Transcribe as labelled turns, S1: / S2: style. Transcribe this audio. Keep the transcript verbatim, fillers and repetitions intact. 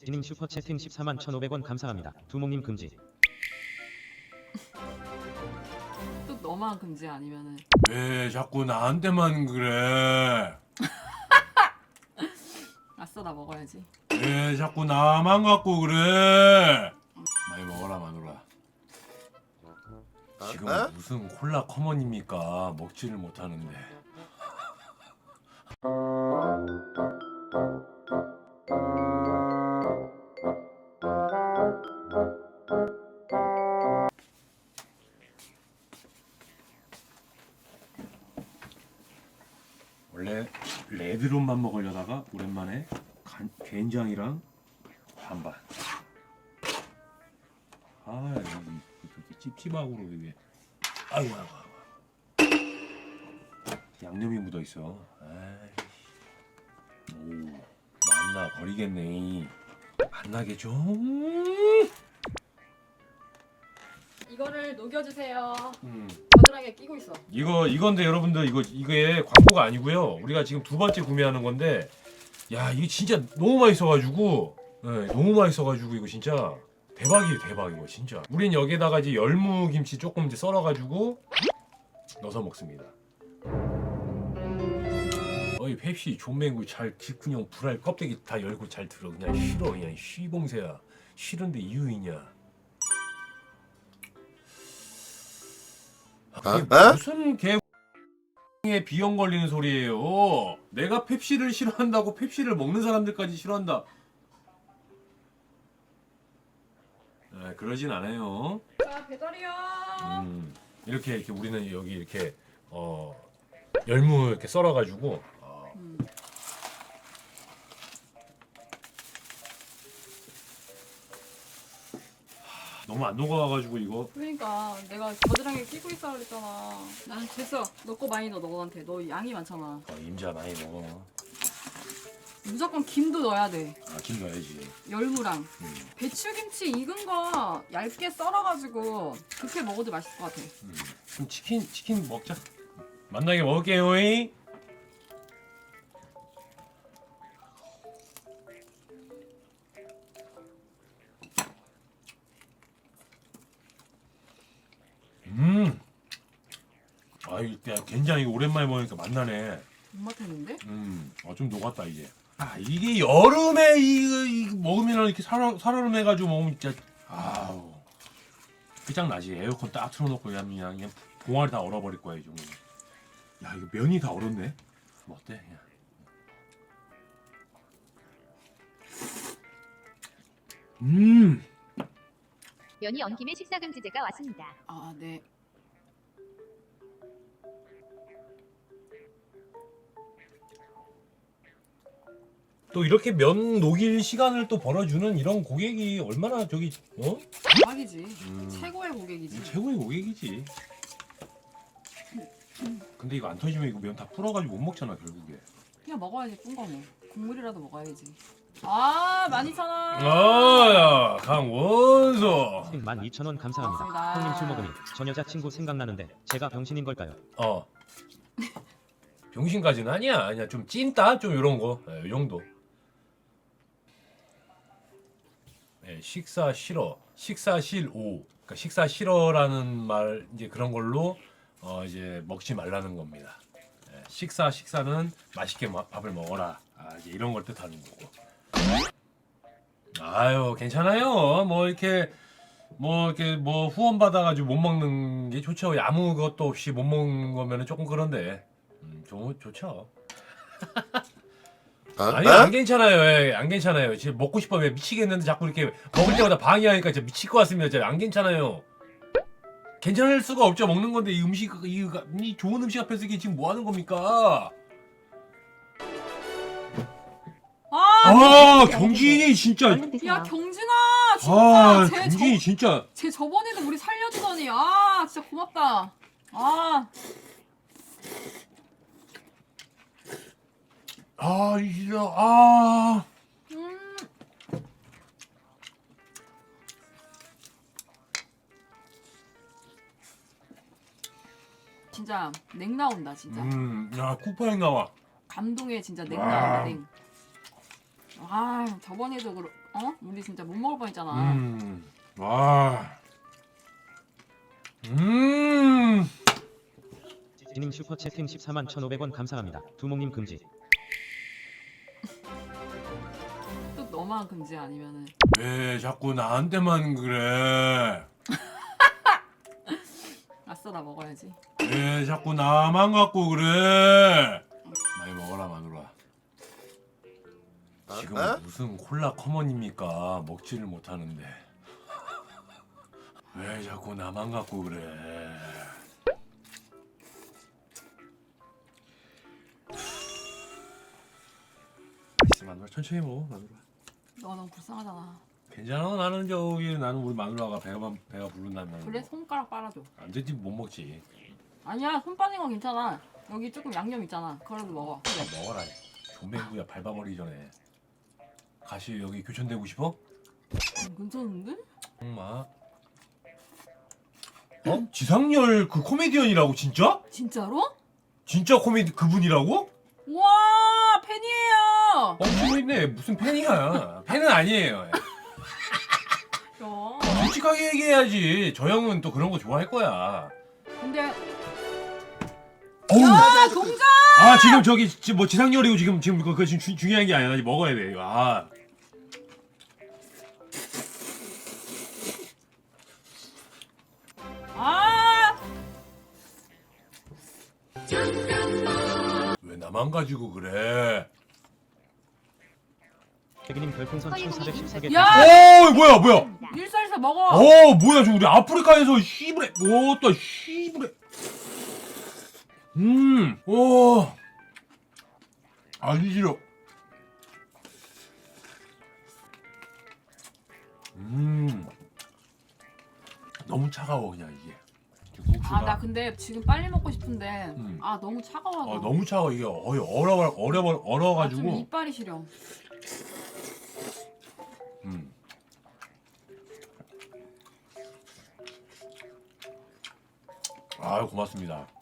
S1: 지님 슈퍼채팅 십사만 천오백 원 감사합니다. 두목님 금지.
S2: 또 너만 금지 아니면은
S3: 왜 자꾸 나한테만 그래?
S2: 아싸 나 먹어야지.
S3: 왜 자꾸 나만 갖고 그래? 많이 먹어라 마누라. 지금
S4: 어?
S3: 무슨 콜라 커먼입니까? 먹지를 못하는데. 원래 레드론만 먹으려다가 오랜만에 간, 된장이랑 반반. 아, 여기 이렇게 찝찝하고 이게. 아이고, 아이고, 아이고. 양념이 묻어 있어. 아이. 오, 만나 버리겠네. 만나겠죠?
S2: 이거를 녹여주세요.
S3: 음.
S2: 겨드랑이에 끼고 있어.
S3: 이거 이건데 여러분들 이거 이게 광고가 아니고요. 우리가 지금 두 번째 구매하는 건데, 야 이게 진짜 너무 맛있어가지고, 네, 너무 맛있어가지고 이거 진짜 대박이에요, 대박 이거 진짜. 우린 여기에다가 이제 열무 김치 조금 이제 썰어가지고 넣어서 먹습니다. 어이 펩시 존맹구 잘 그냥 불알 껍데기 다 열고 잘 들어. 그냥 싫어 그냥 쉬봉새야. 싫은데 이유 있냐? 아, 그게
S4: 어?
S3: 무슨 개에 비염 걸리는 소리예요. 내가 펩시를 싫어한다고 펩시를 먹는 사람들까지 싫어한다. 아, 그러진 않아요.
S2: 자 배달이요.
S3: 음, 이렇게 이렇게 우리는 여기 이렇게 어 열무 이렇게 썰어가지고 어,
S2: 음.
S3: 너무 안 녹아가지고 이거.
S2: 그러니까 내가 겨드랑이에 끼고 있어 그랬잖아. 아 됐어. 너 거 많이 넣어 너한테. 너 양이 많잖아.
S3: 어, 임자 많이 먹어.
S2: 무조건 김도 넣어야 돼.
S3: 아, 김 넣어야지.
S2: 열무랑
S3: 음,
S2: 배추김치 익은 거 얇게 썰어가지고 그렇게 먹어도 맛있을 것 같아.
S3: 음. 그럼 치킨 치킨 먹자. 만나게 먹을게요. 이. 음. 아, 이때 된장이 오랜만에 먹으니까 맛나네.
S2: 못맛했는데?
S3: 음, 어, 좀 녹았다 이제. 아, 이게 여름에 이거, 이거 먹으면 이렇게 살얼 살얼음해가지고 먹으면 진짜 아우 끝장나지. 에어컨 딱 틀어놓고 그냥 그냥, 그냥 봉알이 다 얼어버릴 거야 이 정도. 야, 이거 면이 다 얼었네. 뭐 어때? 그냥. 음.
S5: 면이 엉킴에 식사금지제가 왔습니다.
S2: 아 네.
S3: 또 이렇게 면 녹일 시간을 또 벌어주는 이런 고객이 얼마나 저기 어?
S2: 대박이지.
S3: 음.
S2: 최고의 고객이지.
S3: 최고의 고객이지. 근데 이거 안 터지면 이거 면 다 불어가지고 못 먹잖아 결국에.
S2: 그냥 먹어야지 뿐거네. 국물이라도 먹어야지. 아 만 이천 원.
S3: 아야 강원서.
S1: 만 이천 원 감사합니다.
S2: 고맙습니다.
S1: 형님 술 먹으니 전 여자친구 생각나는데 제가 병신인 걸까요?
S3: 어. 병신까지는 아니야. 아니야 좀 찐따 좀 이런 거. 예, 이 정도. 예, 식사 싫어. 식사 싫오. 그러니까 식사 싫어라는 말 이제 그런 걸로 어 이제 먹지 말라는 겁니다. 예, 식사 식사는 맛있게 마- 밥을 먹어라. 아, 이제 이런 걸 뜻하는 거고. 아유 괜찮아요. 뭐 이렇게 뭐 이렇게 뭐 후원 받아가지고 못 먹는 게 좋죠. 아무것도 없이 못 먹는 거면은 조금 그런데 음, 좋 좋죠.
S4: 어?
S3: 아니
S4: 어?
S3: 안 괜찮아요. 예, 안 괜찮아요. 지금 먹고 싶어 왜 미치겠는데 자꾸 이렇게 먹을 때마다 방해하니까 진짜 미칠 것 같습니다. 진짜 안 괜찮아요. 괜찮을 수가 없죠. 먹는 건데 이 음식 이, 이 좋은 음식 앞에서 이게 지금 뭐 하는 겁니까?
S2: 아,
S3: 아 경진이 진짜.
S2: 야 경진아 진짜
S3: 아
S2: 쟤
S3: 경진이
S2: 저,
S3: 진짜.
S2: 쟤 저번에도 우리 살려주더니 아 진짜 고맙다. 아
S3: 아 이제 아.
S2: 음. 진짜 냉 나온다 진짜.
S3: 음, 야 쿠파행 나와.
S2: 감동에 진짜 냉
S3: 와.
S2: 나온다 냉. 아 아 저번에도 그러, 어? 우리 진짜 못 먹을 뻔했잖아.
S3: 음, 와, 음,
S1: 지님 슈퍼채팅 십사만 천오백 원 감사합니다. 두목님 금지.
S2: 또 너만 금지 아니면은
S3: 왜 자꾸 나한테만 그래?
S2: 아싸 나 먹어야지.
S3: 왜 자꾸 나만 갖고 그래? 많이 먹어라 마누라. 지금 무슨 콜라 커먼입니까? 먹지를 못하는데 왜 자꾸 나만 갖고 그래? 맛있어 마누라. 천천히 먹어 마누라.
S2: 너 너무 불쌍하잖아.
S3: 괜찮아. 나는 저기 나는 우리 마누라가 배가 배가 부른다면
S2: 그래 손가락 빨아줘.
S3: 안 되지 못 먹지.
S2: 아니야 손 빠진 건 괜찮아. 여기 조금 양념 있잖아. 그거라도 먹어.
S3: 그래 먹어라. 존맹구야 밟아버리기 전에. 가시 여기 교촌되고 싶어?
S2: 음, 괜찮은데?
S3: 엄마. 어? 지상렬 그 코미디언이라고 진짜?
S2: 진짜로?
S3: 진짜 코미디 그분이라고?
S2: 와 팬이에요.
S3: 엄청 있네. 무슨 팬이야? 팬은 아니에요.
S2: 야.
S3: 솔직하게 얘기해야지. 저 형은 또 그런 거 좋아할 거야.
S2: 근데
S3: 어우.
S2: 야 동자.
S3: 아 지금 저기 지금 뭐 지상렬이고 지금 지금 그거 지금 주, 중요한 게 아니야. 먹어야 돼. 이거. 아.
S2: 아.
S3: 왜 나만 가지고 그래?
S1: 태기님 별풍선 천사백십사 개.
S2: 야!
S3: 오 뭐야 뭐야?
S2: 일살사 먹어.
S3: 어 뭐야 저 우리 아프리카에서 시브레 오또 시브레 음오 아주 싫어 음 너무 차가워 그냥 이게 국수가
S2: 아 나 근데 지금 빨리 먹고 싶은데
S3: 음.
S2: 아 너무 차가워서.
S3: 어, 너무 차가워 이게 거의 얼어 얼어
S2: 아, 좀
S3: 얼어가지고
S2: 이빨이 시려.
S3: 음. 아유 고맙습니다.